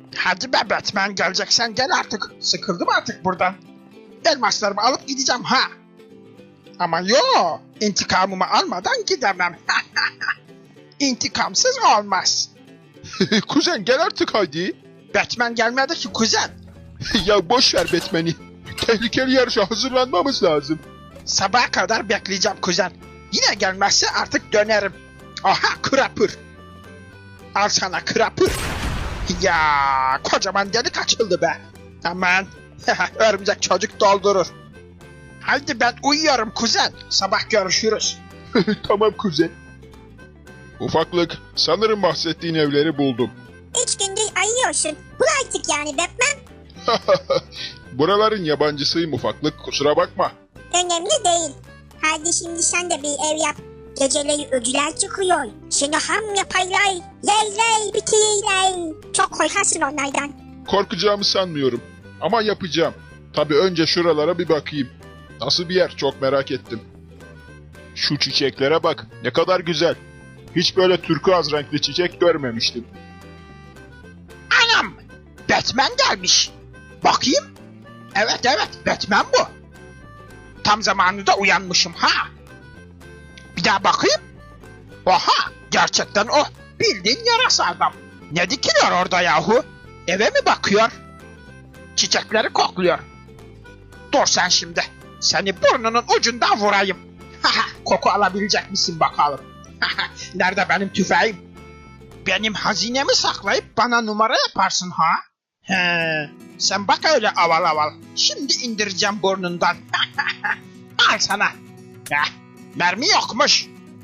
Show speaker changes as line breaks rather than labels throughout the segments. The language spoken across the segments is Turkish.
Hadi be Batman, geleceksen gel artık. Sıkıldım artık buradan. Elmaslarımı alıp gideceğim ha. Ama yo, intikamımı almadan gidemem. İntikamsız olmaz.
Kuzen gel artık hadi.
Batman gelmedi ki kuzen.
Ya boş ver Batman'i. Tehlikeli yarışa hazırlanmamız lazım.
Sabaha kadar bekleyeceğim kuzen. Yine gelmezse artık dönerim. Aha, Crapper. Al sana Crapper. Ya kocaman delik açıldı be. Aman örümcek çocuk doldurur. Haydi ben uyuyorum kuzen. Sabah görüşürüz.
Tamam kuzen. Ufaklık, sanırım bahsettiğin evleri buldum.
3 gündür arıyorsun. Bul artık yani Batman.
Buraların yabancısıyım ufaklık, kusura bakma.
Önemli değil. Hadi şimdi sen de bir ev yap. Geceleri öcüler çıkıyor. Seni ham yaparlar. Yerler bitirirler. Çok korkarsın onlardan.
Korkacağımı sanmıyorum. Ama yapacağım. Tabii önce şuralara bir bakayım. Nasıl bir yer, çok merak ettim. Şu çiçeklere bak, ne kadar güzel. Hiç böyle turkuaz renkli çiçek görmemiştim.
Anam! Batman gelmiş. Bakayım. Evet, Batman bu. Tam zamanında uyanmışım ha. Bir daha bakayım. Oha, gerçekten o. Bildiğin yarasa adam. Ne dikiliyor orada yahu? Eve mi bakıyor? Çiçekleri kokluyor. Dur sen şimdi. Seni burnunun ucundan vurayım. Koku alabilecek misin bakalım? Nerede benim tüfeğim? Benim hazinemi saklayıp bana numara yaparsın ha? He, sen bak öyle aval aval. Şimdi indireceğim burnundan. Al sana. Heh, mermi yokmuş.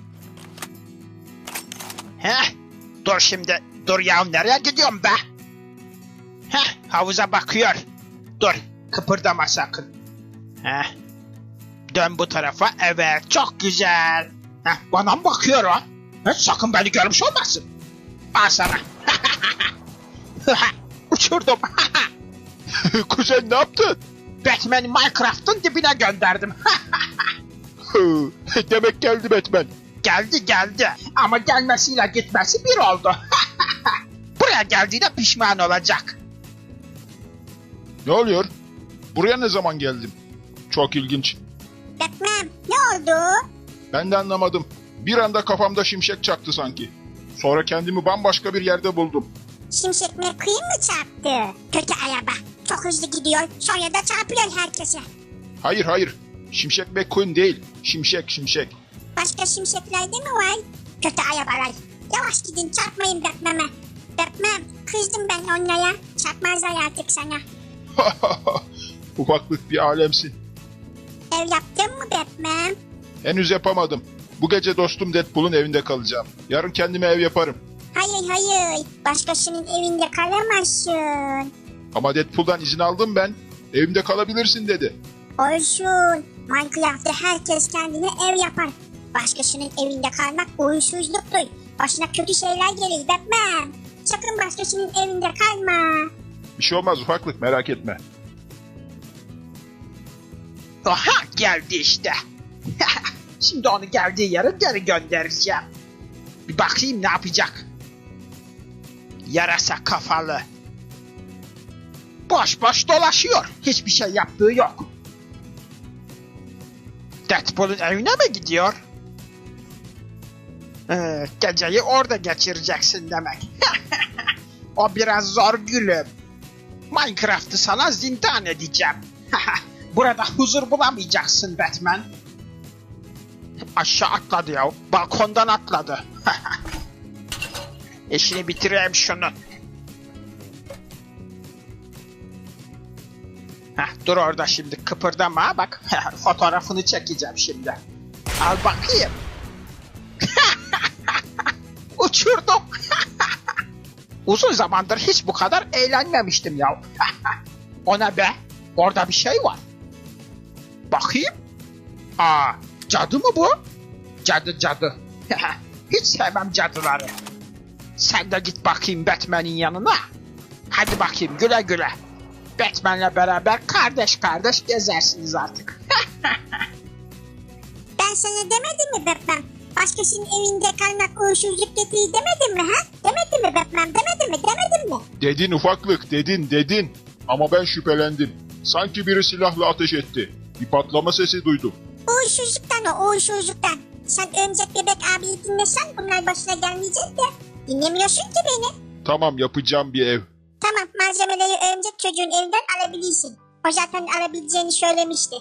Heh, dur şimdi. Dur ya, nereye gidiyorum be? Heh, havuza bakıyor. Dur, kıpırdama sakın. Heh, dön bu tarafa. Evet, çok güzel. Heh, bana mı bakıyor o? Heh, sakın beni görmüş olmasın. Al sana. Uçurdum.
Kuzen ne yaptın?
Batman'i Minecraft'ın dibine gönderdim.
Demek geldi Batman.
Geldi. Ama gelmesiyle gitmesi bir oldu. Buraya geldiğine pişman olacak.
Ne oluyor? Buraya ne zaman geldim? Çok ilginç.
Batman ne oldu?
Ben de anlamadım. Bir anda kafamda şimşek çaktı sanki. Sonra kendimi bambaşka bir yerde buldum.
Şimşek McQueen mi çarptı? Kötü araba. Çok hızlı gidiyor. Sonra da çarpıyor herkese.
Hayır. Şimşek McQueen değil. Şimşek.
Başka şimşeklerde mi var? Kötü arabalar. Yavaş gidin, çarpmayın Batman'e. Batman, kızdım ben onlara. Çarpmazlar artık sana.
Ufaklık bir alemsin.
Ev yaptın mı Batman?
Henüz yapamadım. Bu gece dostum Deadpool'un evinde kalacağım. Yarın kendime ev yaparım.
Hayır. Başkasının evinde kalamazsın.
Ama Deadpool'dan izin aldım ben. Evimde kalabilirsin dedi.
Olsun. Minecraft'ta herkes kendine ev yapar. Başkasının evinde kalmak uğursuzluktur. Başına kötü şeyler gelir Batman. Sakın başkasının evinde kalma.
Bir şey olmaz ufaklık, merak etme.
Aha, geldi işte. Şimdi onu geldiği yere geri göndereceğim. Bir bakayım ne yapacak. Yarasa kafalı. Boş dolaşıyor. Hiçbir şey yaptığı yok. Deadpool'un evine mi gidiyor? Geceyi orada geçireceksin demek. O biraz zor gülüm. Minecraft'ı sana zindan edeceğim. Burada huzur bulamayacaksın Batman. Aşağı atladı ya. Balkondan atladı. İşini bitireyim şunu. Dur orada şimdi, kıpırdama bak. Fotoğrafını çekeceğim şimdi. Al bakayım. Uçurdum. Uzun zamandır hiç bu kadar eğlenmemiştim ya. O ne be? Orada bir şey var. Bakayım. Aa, cadı mı bu? Cadı. Hiç sevmem cadıları. Sen de git bakayım Batman'in yanına. Hadi bakayım, güle güle. Batman'le beraber kardeş gezersiniz artık.
Ben sana demedim mi Batman? Başkasının evinde kalmak uğursuzluk getirir demedim mi ha? Demedim mi Batman? Demedim mi?
Dedin ufaklık, dedin. Ama ben şüphelendim. Sanki biri silahla ateş etti. Bir patlama sesi duydum.
Uğursuzluktan. Sen Örümcek Bebek abiyi dinlesen bunlar başına gelmeyecek de. Dinlemiyorsun ki beni.
Tamam, yapacağım bir ev.
Tamam, malzemeleri Örümcek Çocuğun evinden alabilirsin. O zaten alabileceğini söylemişti.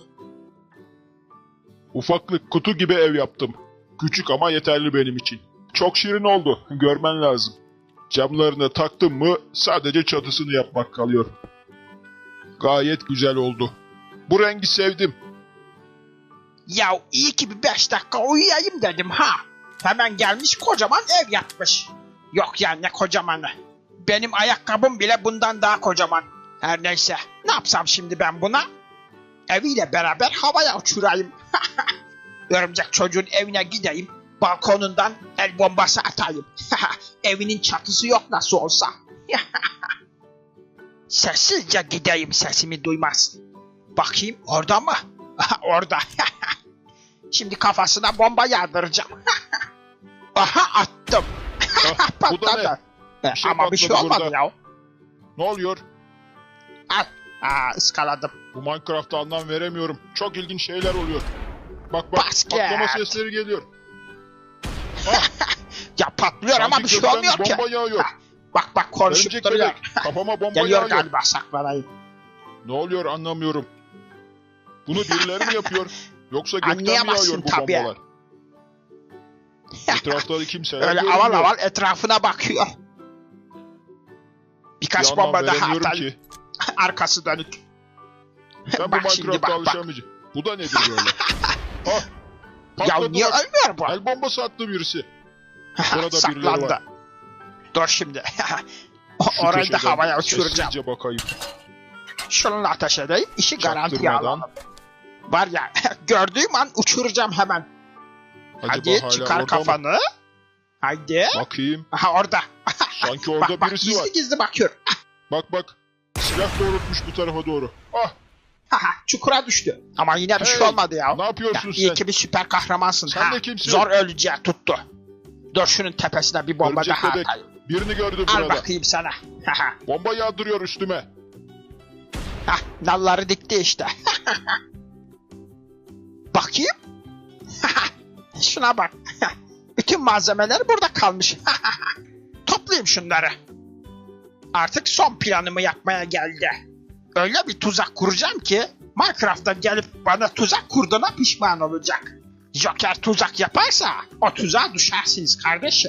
Ufaklık, kutu gibi ev yaptım. Küçük ama yeterli benim için. Çok şirin oldu, görmen lazım. Camlarını taktım mı sadece çatısını yapmak kalıyor. Gayet güzel oldu. Bu rengi sevdim.
Ya iyi ki bir 5 dakika uyuyayım dedim ha. Hemen gelmiş kocaman ev yapmış. Yok ya ne kocamanı. Benim ayakkabım bile bundan daha kocaman. Her neyse ne yapsam şimdi ben buna? Eviyle beraber havaya uçurayım. Örümcek Çocuğun evine gideyim. Balkonundan el bombası atayım. Evinin çatısı yok nasıl olsa. Sessizce gideyim sesimi duymaz. Bakayım orada mı? Orada. Şimdi kafasına bomba yağdıracağım. Aha attım.
Bu da ne? Bir şey
Ama bir şey
patladı
olmadı
burada.
ya.
Ne oluyor?
Al. Iskaladım.
Bu Minecraft'a anlam veremiyorum. Çok ilginç şeyler oluyor. Bak
Basket.
patlama sesleri geliyor.
Ya patlıyor ama
Sanki
bir şey
gökten
olmuyor ki.
bomba yağıyor.
Bak konuşup
Örümcek
duruyor.
bebek, kafama bomba
Geliyor
yağıyor.
galiba saklanayım.
Ne oluyor anlamıyorum. Bunu birileri mi yapıyor? Yoksa gökten mi
Anlayamazsın
yağıyor bu
tabii.
bombalar? Etrafta kimseler
Öyle
görünmüyor.
aval aval etrafına bakıyor.
Bir
Birkaç
anlam
bomba daha
veremiyorum
atayım.
ki.
Arkası dönük.
Ben bu
Bak şimdi
Minecraft'a
bak.
alışamayacağım. Bu da nedir böyle? Ah,
Ya
patladı
niye
bak.
ölmüyor bu?
El bombası attı birisi. Burada birileri
Saklandı.
var.
Dur şimdi.
Şu
Orayı da
köşeden
havaya uçuracağım.
sessizce bakayım.
Şununla ateş edeyim. İşi garantiye
Çaktırmadan.
alalım. Var ya gördüğüm an uçuracağım hemen.
Acaba
Hadi
hala
çıkar
orada mı?
kafanı. Haydi.
Bakayım.
Aha orada.
Sanki orada
bak,
birisi
gizli
var.
gizli bakıyor.
Bak. Silah doğrultmuş bu tarafa doğru. Ah,
Çukura düştü. Ama yine bir şey
Hey,
olmadı ya.
ne yapıyorsun
İyi
sen?
ki bir süper kahramansın.
Sen de kimsin?
Zor öleceği tuttu. Dur şunun tepesine bir bomba
Örümcek
daha
bebek.
atayım.
Birini gördüm
Al
burada.
bakayım sana.
Bomba yağdırıyor üstüme.
Nalları dikti işte. Bakayım. Şuna bak. Bütün malzemeler burada kalmış. Toplayayım şunları. Artık son planımı yapmaya geldi. Öyle bir tuzak kuracağım ki Minecraft'ta gelip bana tuzak kurduğuna pişman olacak. Joker tuzak yaparsa o tuzağa düşersiniz kardeşim.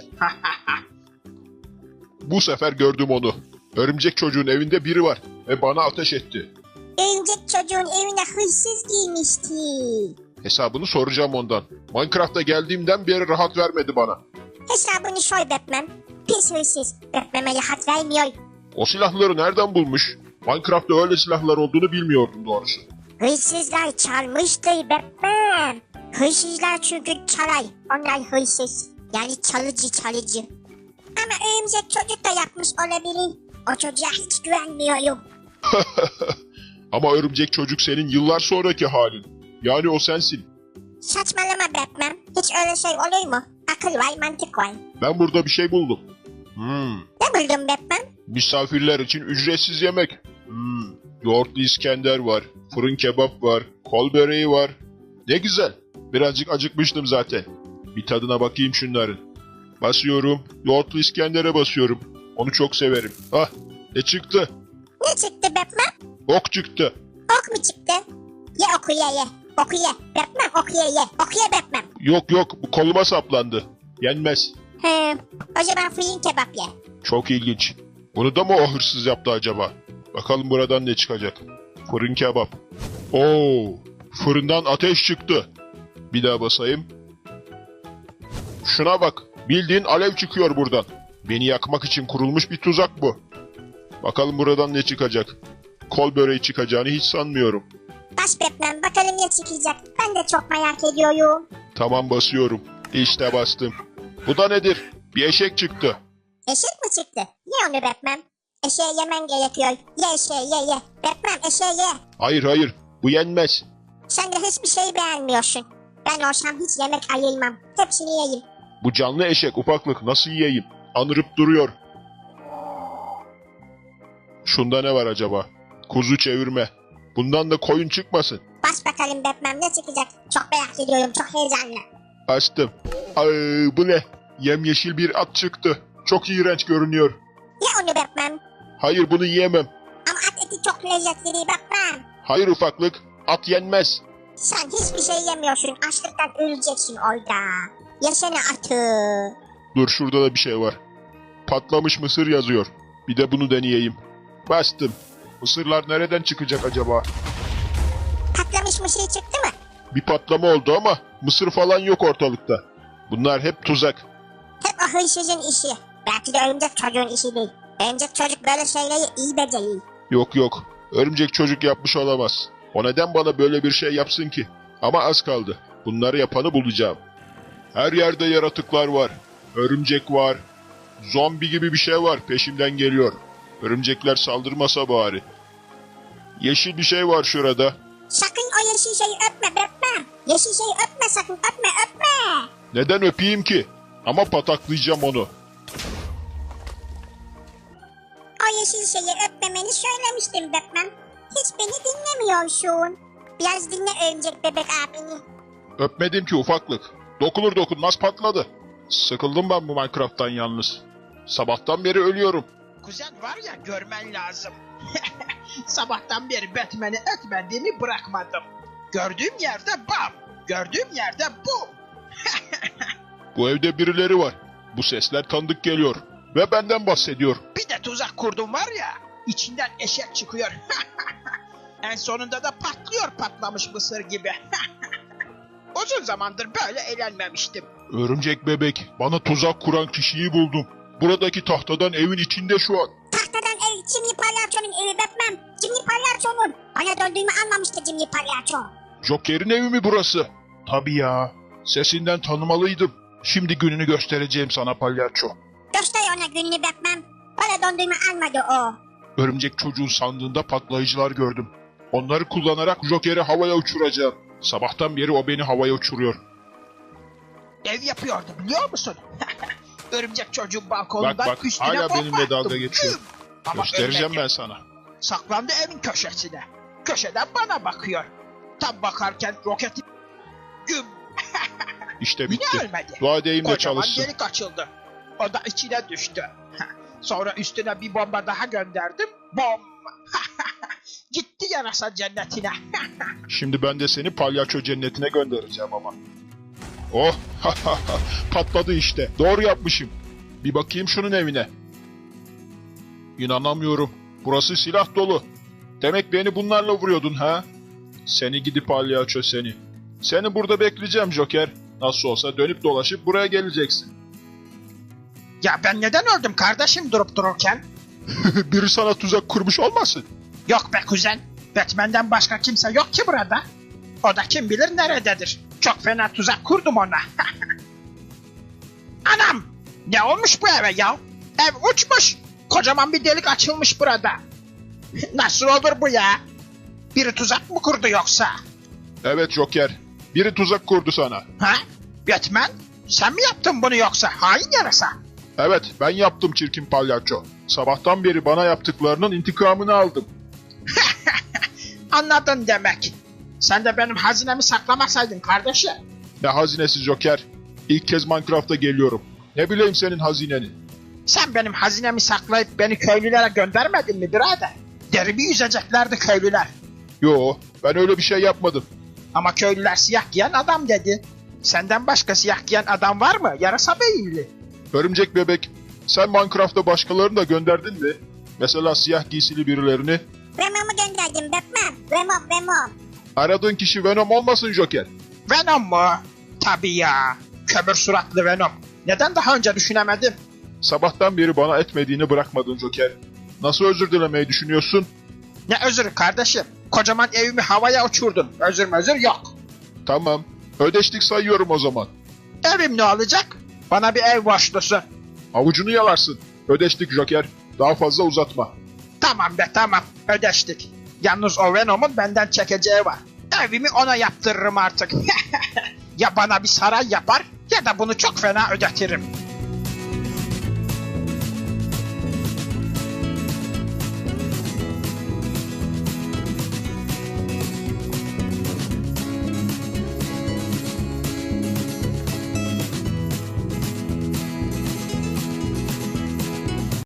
Bu sefer gördüm onu. Örümcek Çocuğun evinde biri var ve bana ateş etti.
Örümcek Çocuğun evine hırsız girmişti.
Hesabını soracağım ondan. Minecraft'a geldiğimden beri rahat vermedi bana.
Hesabını soy Batman. Pis hırsız. Batman'e rahat vermiyor.
O silahları nereden bulmuş? Minecraft'ta öyle silahlar olduğunu bilmiyordum doğrusu.
Hırsızlar çalmıştır Batman. Hırsızlar çünkü çalay. Onlar hırsız. Yani çalıcı. Ama Örümcek Çocuk da yapmış olabilir. O çocuğa hiç güvenmiyorum.
Ama Örümcek Çocuk senin yıllar sonraki halin. Yani o sensin.
Saçmalama Batman. Hiç öyle şey olur mu? Akıl var, mantık var.
Ben burada bir şey buldum.
Ne buldun Batman?
Misafirler için ücretsiz yemek. Yoğurtlu İskender var. Fırın kebap var. Kol böreği var. Ne güzel. Birazcık acıkmıştım zaten. Bir tadına bakayım şunların. Basıyorum. Yoğurtlu İskender'e basıyorum. Onu çok severim. Ah, ne çıktı?
Ne çıktı Batman?
Ok çıktı.
Ok mu çıktı? Ye oku ye. Oku ye. Batman oku ye. Oku ye Batman.
Yok, bu koluma saplandı. Yenmez.
O zaman fırın kebap ye.
Çok ilginç. Bunu da mı o hırsız yaptı acaba? Bakalım buradan ne çıkacak. Fırın kebap. Oo, fırından ateş çıktı. Bir daha basayım. Şuna bak. Bildiğin alev çıkıyor buradan. Beni yakmak için kurulmuş bir tuzak bu. Bakalım buradan ne çıkacak. Kol böreği çıkacağını hiç sanmıyorum.
Bas Batman bakalım ne çıkacak. Ben de çok merak ediyorum.
Tamam, basıyorum. İşte bastım. Bu da nedir? Bir eşek çıktı.
Eşek mi çıktı? Ye onu Batman. Eşeği yemen gerekiyor. Ye eşeği ye. Batman eşeği ye.
Hayır, bu yenmez.
Sen de hiçbir şey beğenmiyorsun. Ben olsam hiç yemek ayırmam. Hepsini yiyeyim.
Bu canlı eşek ufaklık nasıl yiyeyim? Anırıp duruyor. Şunda ne var acaba? Kuzu çevirme. Bundan da koyun çıkmasın.
Bas bakalım Batman, ne çıkacak? Çok merak ediyorum, çok heyecanlı.
Açtım. Ay, bu ne? Yemyeşil bir at çıktı. Çok iğrenç görünüyor.
Ye onu Batman.
Hayır, bunu yiyemem.
Ama at eti çok lezzetli değil Batman.
Hayır ufaklık. At yenmez.
Sen hiçbir şey yemiyorsun. Açlıktan öleceksin orada. Yesene atı.
Dur, şurada da bir şey var. Patlamış mısır yazıyor. Bir de bunu deneyeyim. Bastım. Mısırlar nereden çıkacak acaba?
Patlamış mısır çıktı mı?
Bir patlama oldu ama mısır falan yok ortalıkta. Bunlar hep tuzak.
Hep o hırsızın işi. Belki de örümcek çocuğun işi değil. Örümcek çocuk böyle şeyleri iyi beceriyor.
Yok. Örümcek çocuk yapmış olamaz. O neden bana böyle bir şey yapsın ki? Ama az kaldı. Bunları yapanı bulacağım. Her yerde yaratıklar var. Örümcek var. Zombi gibi bir şey var. Peşimden geliyor. Örümcekler saldırmasa bari. Yeşil bir şey var şurada.
Sakın o yeşil şeyi öpme Batman. Yeşil şeyi öpme sakın, öpme.
Neden öpeyim ki? Ama pataklayacağım onu.
O yeşil şeyi öpmemeni söylemiştim Batman. Hiç beni dinlemiyorsun. Biraz dinle örümcek bebek abini.
Öpmedim ki ufaklık. Dokunur dokunmaz patladı. Sıkıldım ben bu Minecraft'tan yalnız. Sabahtan beri ölüyorum.
Kuzen var ya, görmen lazım. Sabahtan beri Batman'i etmediğimi bırakmadım. Gördüğüm yerde bam. Gördüğüm yerde bum.
Bu evde birileri var. Bu sesler tanıdık geliyor. Ve benden bahsediyor.
Bir de tuzak kurdum var ya. İçinden eşek çıkıyor. En sonunda da patlıyor patlamış mısır gibi. Uzun zamandır böyle eğlenmemiştim.
Örümcek bebek, bana tuzak kuran kişiyi buldum. Buradaki tahtadan evin içinde şu an.
Tahtadan ev, Jimmy Palyaço'nun evi Batman. Jimmy Palyaço'nun. Bana döndüğümü anlamıştı Jimmy Palyaço.
Joker'in evi mi burası? Tabii ya. Sesinden tanımalıydım. Şimdi gününü göstereceğim sana palyaço.
Göster ona gününü Batman. Bana döndüğümü almadı o.
Örümcek çocuğun sandığında patlayıcılar gördüm. Onları kullanarak Joker'i havaya uçuracağım. Sabahtan beri o beni havaya uçuruyor.
Ev yapıyordu biliyor musun? Örümcek çocuğun balkonundan
Bak,
üstüne
hala
bomba
benimle dalga
attım.
geçiyor.
Güm! Ama
Göstereceğim
ölmedi.
ben sana.
Saklandı evin köşesine. Köşeden bana bakıyor. Tam bakarken roketi güm.
İşte
Yine
bitti.
ölmedi.
Dua edeyim de
Kocaman
çalışsın.
delik açıldı. O da içine düştü. Sonra üstüne bir bomba daha gönderdim. Bom! Gitti yarasa cennetine.
Şimdi ben de seni palyaço cennetine göndereceğim ama. Oh! Patladı işte. Doğru yapmışım. Bir bakayım şunun evine. İnanamıyorum. Burası silah dolu. Demek beni bunlarla vuruyordun ha? Seni gidi palyaço seni. Seni burada bekleyeceğim Joker. Nasıl olsa dönüp dolaşıp buraya geleceksin.
Ya ben neden öldüm kardeşim durup dururken?
Biri sana tuzak kurmuş olmasın?
Yok be kuzen. Batman'den başka kimse yok ki burada. O da kim bilir nerededir. Çok fena tuzak kurdum ona. Anam! Ne olmuş bu eve ya? Ev uçmuş. Kocaman bir delik açılmış burada. Nasıl olur bu ya? Biri tuzak mı kurdu yoksa?
Evet Joker. Biri tuzak kurdu sana.
Ha? Batman? Sen mi yaptın bunu yoksa? Hain yarasa.
Evet, ben yaptım çirkin palyaço. Sabahtan beri bana yaptıklarının intikamını aldım.
Anladın demek. Sen de benim hazinemi saklamasaydın kardeşim.
Ne hazinesi Joker? İlk kez Minecraft'a geliyorum. Ne bileyim senin hazineni.
Sen benim hazinemi saklayıp beni köylülere göndermedin mi birader? Derimi yüzeceklerdi köylüler.
Yo, ben öyle bir şey yapmadım.
Ama köylüler siyah giyen adam dedi. Senden başka siyah giyen adam var mı? Yarasa beyinli.
Örümcek bebek, sen Minecraft'a başkalarını da gönderdin mi? Mesela siyah giysili birilerini.
Venom'u gönderdim Batman. Venom.
Aradığın kişi Venom olmasın Joker.
Venom mu? Tabii ya. Kömür suratlı Venom. Neden daha önce düşünemedim?
Sabahtan beri bana etmediğini bırakmadın Joker. Nasıl özür dilemeyi düşünüyorsun?
Ne özürü kardeşim? Kocaman evimi havaya uçurdun. Özür yok.
Tamam, ödeştik sayıyorum o zaman.
Evim ne olacak? Bana bir ev borçlusun.
Avucunu yalarsın. Ödeştik Joker. Daha fazla uzatma.
Tamam be tamam. Ödeştik. Yalnız o Venom'un benden çekeceği var. Evimi ona yaptırırım artık. Ya bana bir saray yapar ya da bunu çok fena ödetirim.